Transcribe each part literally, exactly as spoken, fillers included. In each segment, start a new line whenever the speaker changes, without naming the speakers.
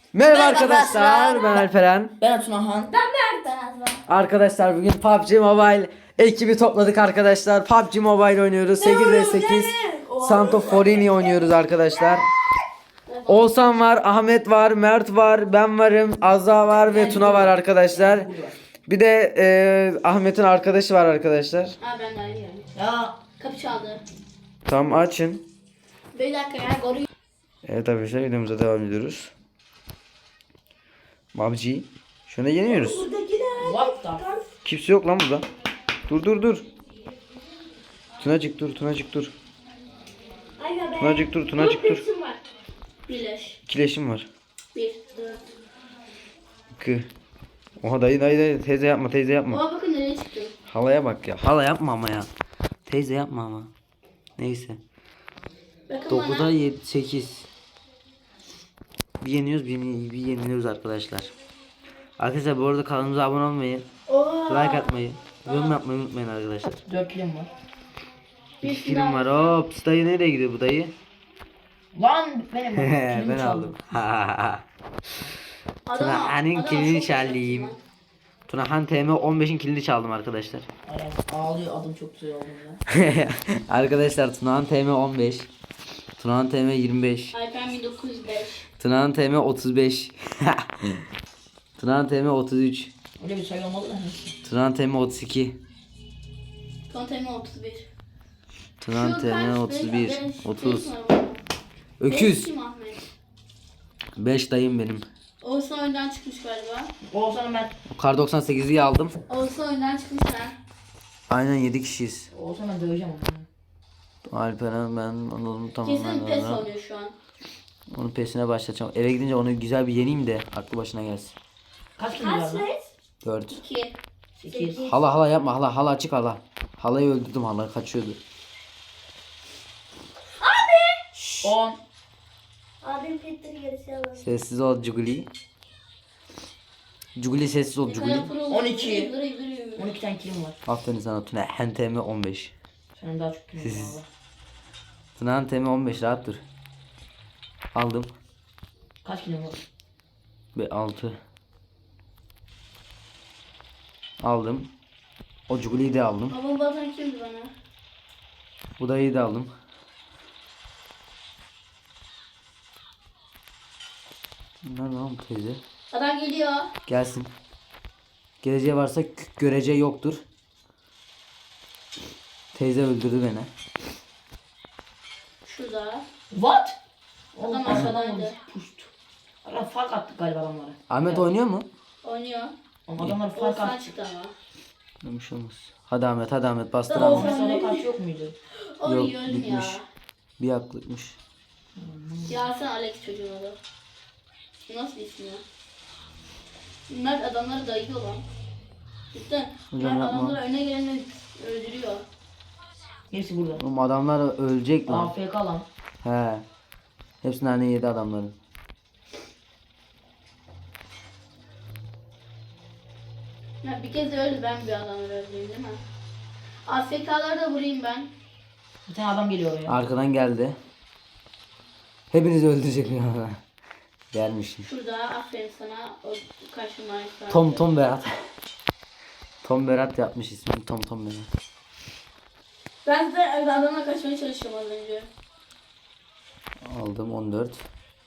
Merhaba
Merhaba
arkadaşlar,
arkadaşlar.
ben Alperen.
Ben Tunahan.
Ben Mert Azman.
Arkadaşlar bugün P U B G Mobile ekibi topladık arkadaşlar. P U B G Mobile oynuyoruz. sekiz ve sekiz Santorini oynuyoruz arkadaşlar. Oğuzhan var, Ahmet var, Mert var, ben varım, Azza var ve Tuna var arkadaşlar. Bir de e, Ahmet'in arkadaşı var arkadaşlar.
Ha ben de ayrı yani.
Ya
Kapı çaldı.
Tamam, açın.
Bir dakika ya koruyor.
Evet arkadaşlar, videomuza devam ediyoruz. P U B G. Şuna yeniyoruz.
what the?
Kimse yok lan burada. Dur dur dur. Tunacık dur, Tunacık dur. Tunacık dur, Tunacık dur.
Birleş.
İkileşim var.
Bir, dört.
Kı. Oha dayı dayı dayı teyze yapma teyze yapma.
Oha bakın nereye çıktım.
Halaya bak ya. Hala yapma ama ya. Teyze yapma ama. Neyse.
Bakın
dokuza
bana.
yedi sekiz. Bir yeniyoruz bir, bir yeniliyoruz arkadaşlar. Arkadaşlar bu arada kanalımıza abone olmayı,
Oha.
like atmayı, yorum yapmayı unutmayın arkadaşlar.
dört kilim var.
Bir
İki kilim var. Hop, dayı nereye gidiyor bu dayı?
Lan benim kilimi
Ben
çaldı.
aldım.
Adam-
Tuna'nın
adam
kilini
çok
çaldım.
güzel.
Tunahan T M on beşin kilini çaldım arkadaşlar.
Aynen, ağlıyor adım çok güzel olduğunda.
Arkadaşlar Tunahan T M on beş. Tunahan T M yirmi beş.
Alper bin dokuz yüz beş.
Tunahan T M otuz beş. Tunahan T M otuz üç.
Öyle bir sayı olmadı da.
Tunahan T M otuz iki.
Konteyner otuz bir.
Tunahan
Şu
T M
kaç?
otuz
Beş-
bir.
beş-
otuz.
beş numara. Beş
Öküz.
kim Ahmet?
beş dayım benim.
Oğuzhan oyundan çıkmış galiba.
Oğuzhan'ı ben.
Kar doksan sekizi aldım.
Oğuzhan oyundan çıkmış ha.
Aynen yedi kişiyiz.
Oğuzhan'ı ben döveceğim onu.
Alperen ben onu tamam.
Kesin pes oluyor şu an.
Onun pesine başlayacağım. Eve gidince onu güzel bir yeneyim de aklı başına gelsin.
Kaç kilim var lan?
dört.
iki.
sekiz.
Hala hala yapma hala hala açık hala. Halayı öldürdüm, hala kaçıyordu.
on.
Abim Peter gerisi alır.
Sessiz ol Cuguli. Cuguli sessiz ol Cuguli.
on iki.
Duruyor, duruyor, duruyor.
on iki tane kilim var.
Aferin sana Tuna. Hen T M on beş.
Senin daha çok kilim var.
Siz-
valla.
Tuna'nın T M on beş, rahat dur. Aldım.
Kaç kilim var?
Ve altı. Aldım. O Cuguli'yi de aldım.
Babam bazen kimdi bana?
Bu dayıyı da aldım. Nerede lan bu teyze?
Adam geliyor.
Gelsin. Geleceği varsa k- göreceği yoktur. Teyze öldürdü beni.
Şurada.
What?
Adam
Oğlum,
aşağıdaydı.
adamlar Puşt. Adam fark attık galiba adamlara.
Ahmet oynuyor mu?
Oynuyor.
Oğlum, adamlar fark
Oğuzhan
attı.
çıktı ama.
Demiş olmaz. Hadi Ahmet, hadi Ahmet bastır
Tamam.
Ahmet.
Mesela kaç yok muydu?
O
Yok,
yiyorum ya.
bitmiş. Bir haklıkmış.
Ya sen Alex çocuğun adı. Nasıl ismi ya? Bunlar adamları dayıyor lan. Cidden.
Hocam
Bunlar
yapma.
adamları öne geleni öldürüyor.
Hepsi burada.
Oğlum adamlar ölecek lan.
A F K lan.
He. Hepsini hani yedi adamların.
Ya bir kez öldü ben bir adamları öldüreyim değil mi? A F K'ları da vurayım ben.
Bir tane adam geliyor oraya.
Arkadan geldi. Hepinizi öldürecek bir adam. Gelmiş.
Şurada aferin sana o karşıma.
Tom Tom Berat. Tom Berat yapmış ismini. Tom Tom Berat.
Ben de adamla kaçmaya çalışıyorum az önce.
Aldım on dört.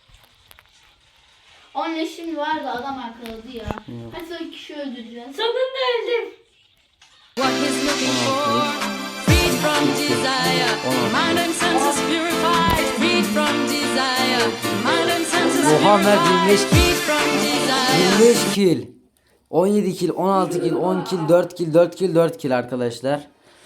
On leşim vardı adam arkaladı ya.
Yok.
Hadi son kişi öldüreceğiz. Sonunda öldüm.
What he's looking for, freed from desire, mind and senses purified, freed from desire, mind and senses
Oha, Mert yirmi beş
purified, freed from desire.
yirmi beş kill. on yedi kill, on altı kill, on kill, dört kill, dört kill, dört kill arkadaşlar.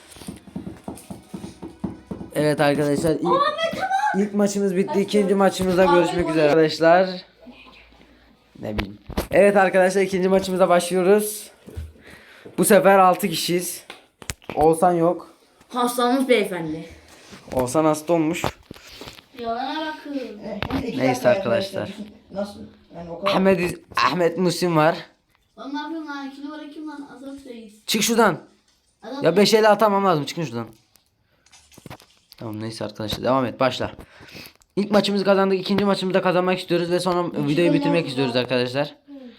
Evet arkadaşlar, ilk, ilk maçımız bitti. İkinci maçımızda görüşmek üzere arkadaşlar. Ne bileyim. Evet arkadaşlar, ikinci maçımıza başlıyoruz. Bu sefer altı kişiyiz. Oğuzhan yok.
Hastamız beyefendi.
Oğuzhan hasta olmuş.
Yalana bakın.
Neyse arkadaşlar.
Nasıl? Yani o kadar.
Ahmet, Ahmet Musim var.
Lan ne yapıyorsun lan? İki numara kim lan? Azat Reis.
Çık şuradan.
Azat
Ya beş ele atamam lazım. Çıkın şuradan. Tamam neyse arkadaşlar, devam et, başla. İlk maçımızı kazandık. İkinci maçımızı da kazanmak istiyoruz ve sonra videoyu bitirmek istiyoruz arkadaşlar.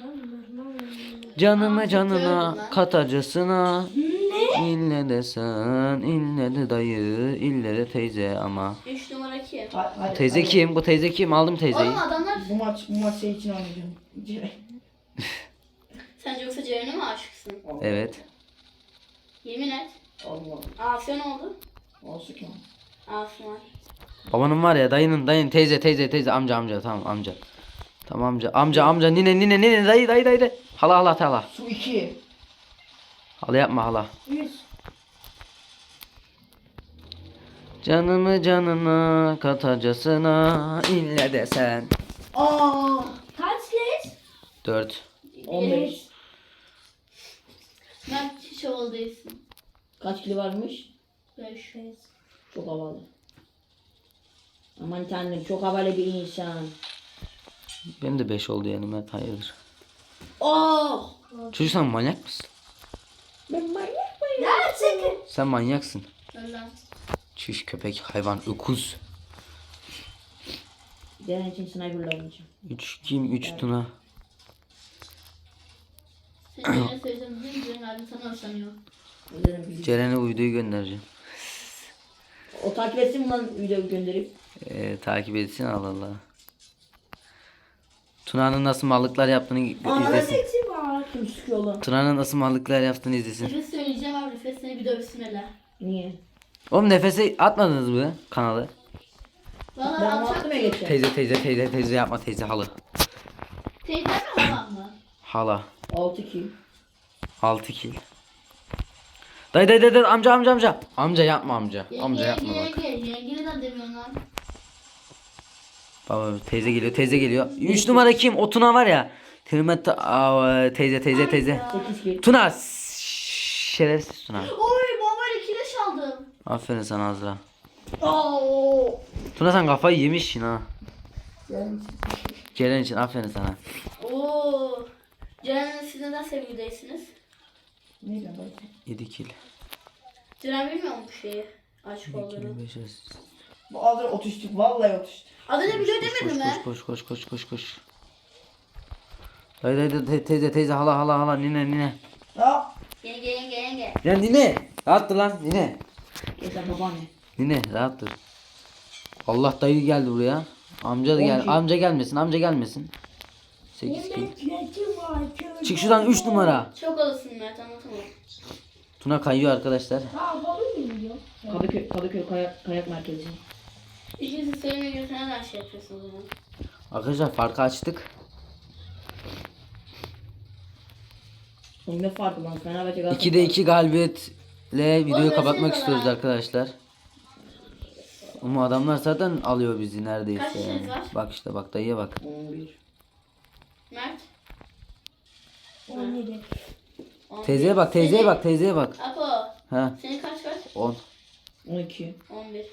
Canımı canına katacasına. İlle de sen, ille de dayı, ille de teyze ama.
üç numara kim?
Ha- hadi,
Teyze
hadi.
kim? Bu teyze kim? Aldım teyzeyi.
Oğlum adamlar
Bu maç bu maç senin için oynayacağım.
sen yoksa Ceren'e mi aşıksın?
Evet.
Yemin et.
Allah.
Asya ne oldu?
Olsun ki.
Asya var.
Babanın var ya, dayının dayın teyze teyze teyze amca amca tamam amca. Tamam amca amca amca nine nine nine dayı dayı dayı. dayı. Hala hala hala.
Su iki.
Hala yapma hala. Canımı canına katacasına ille de sen.
Aa.
Kaç geç?
Dört.
on beş.
Mert hiç havalı değilsin.
Kaç kilo varmış?
beş.
Çok havalı. Aman tanrım çok havalı bir insan.
Benim de beş oldu yani Mert, hayırdır.
Oh.
Çocuk sen manyak mısın?
Ben manyak mıyım?
Ya çekin.
Sen manyaksın.
Ölen.
Çüş köpek hayvan öküz.
Deren için sniper'la oynayacağım.
Üç kim? Üç Tuna.
Sen Ceren'e söyleyeceğim değil mi? Ceren abi sana hoşlanıyor.
Deren bizi-
Ceren'e o videoyu göndereceğim.
O takip etsin mi lan videoyu gönderip?
Ee, takip etsin Allah Allah. Tuna'nın nasıl mallıklar yaptığını izlesin.
Kim sıkıyor lan?
Tuna'nın nasıl mallıklar yaptığını izlesin.
Nefes söyleyeceğim abi. Nefes seni bir dövsün hele.
Niye?
Oğlum nefese atmadınız mı kanalı?
Valla
Ben
alçak
attım ya
diyor.
geçen.
Teyze teyze teyze teyze yapma teyze halı.
Teyze mi halam mı?
Hala.
altı kill.
altı kill. Dayı dayı dayı dayı, amca amca amca. Amca yapma amca.
Yenge
Amca
yenge
yapma bak.
yenge. Yenge neden demiyorsun lan?
Baba teyze geliyor teyze geliyor. üç numara kim? O Tuna var ya. Tırmet teyze teyze teyze.
sekiz kill.
Tuna s- şerefsiz Tuna.
Oy bombayla kireç aldım.
Aferin sana Azra.
Oo.
Tuna sen kafayı yemişsin ha.
Yani
Ceren için aferin sana.
Oo. Ceren'le siz neden sevgilideysiniz?
ne ben bak.
yedi kill.
Ceren bilmiyor mu bu şeyi? Aşık olduğunu.
iki bin beş yüz.
Bu adına otistik vallahi otistik.
Adını biliyor
Koş
demedi mi?
koş koş koş koş koş koş. Dayı dayı dayı, te- teyze teyze hala hala hala nine nine.
Ya.
Yenge yenge yenge.
Ya nine. Rahat dur lan nine.
Geçen babaanne.
Nine rahat dur. Allah dayı geldi buraya. Amca da gel.
On kill.
Amca gelmesin amca gelmesin. sekiz kill. Çık şuradan üç numara.
Çok alısın Mert anlatamam.
Tuna kayıyor arkadaşlar.
Kadıköy, Kadıköy kayak, kayak merkezi.
İkinizi sevmeye göre neden şey yapıyorsunuz o zaman?
Arkadaşlar farkı açtık.
Oğlum ne farkı lan? Fenerbahçe Galatasaray.
ikide iki galibiyetle videoyu
Oğlum,
kapatmak
versene
istiyoruz
bana.
arkadaşlar. Ama adamlar zaten alıyor bizi neredeyse.
Kaç kişiniz
yani.
var?
Bak işte bak dayıya bak.
on bir.
Mert?
on yedi.
On
Teyzeye
bir.
bak teyzeye
Seni-
bak teyzeye bak.
Apo.
Ha
Senin kaç kaç?
on.
on iki.
on bir.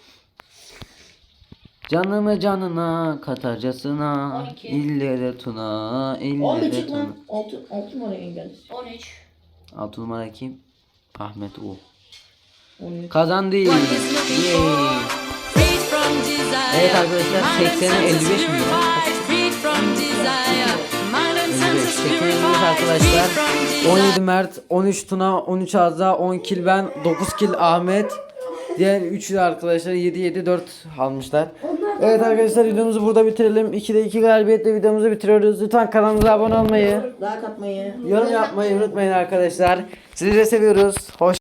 Canımı canına katacasına
on iki.
ille de Tuna ille
on bir
de
çık
Tuna.
lan. altı, altı numara engellisin.
on üç.
altı numara kim? Ahmet U.
on üç.
Kazandı.
What he's looking
Yay.
for. Freed from desire.
Evet arkadaşlar,
Mind and
seksene elli beş
senses
milyon.
purified. Freed from desire. Mind and senses
seksene elli beş
purified.
arkadaşlar.
Freed from desire.
on yedi Mert, on üç Tuna, on üç Azza, on kill ben, dokuz kill Ahmet. Diğer üçü de arkadaşlar yedi yedi dört almışlar. Evet arkadaşlar videomuzu burada bitirelim. ikide iki galibiyetle videomuzu bitiriyoruz. Lütfen kanalımıza abone olmayı,
Daha katmayı.
yorum yapmayı unutmayın arkadaşlar. Sizi de seviyoruz. Hoş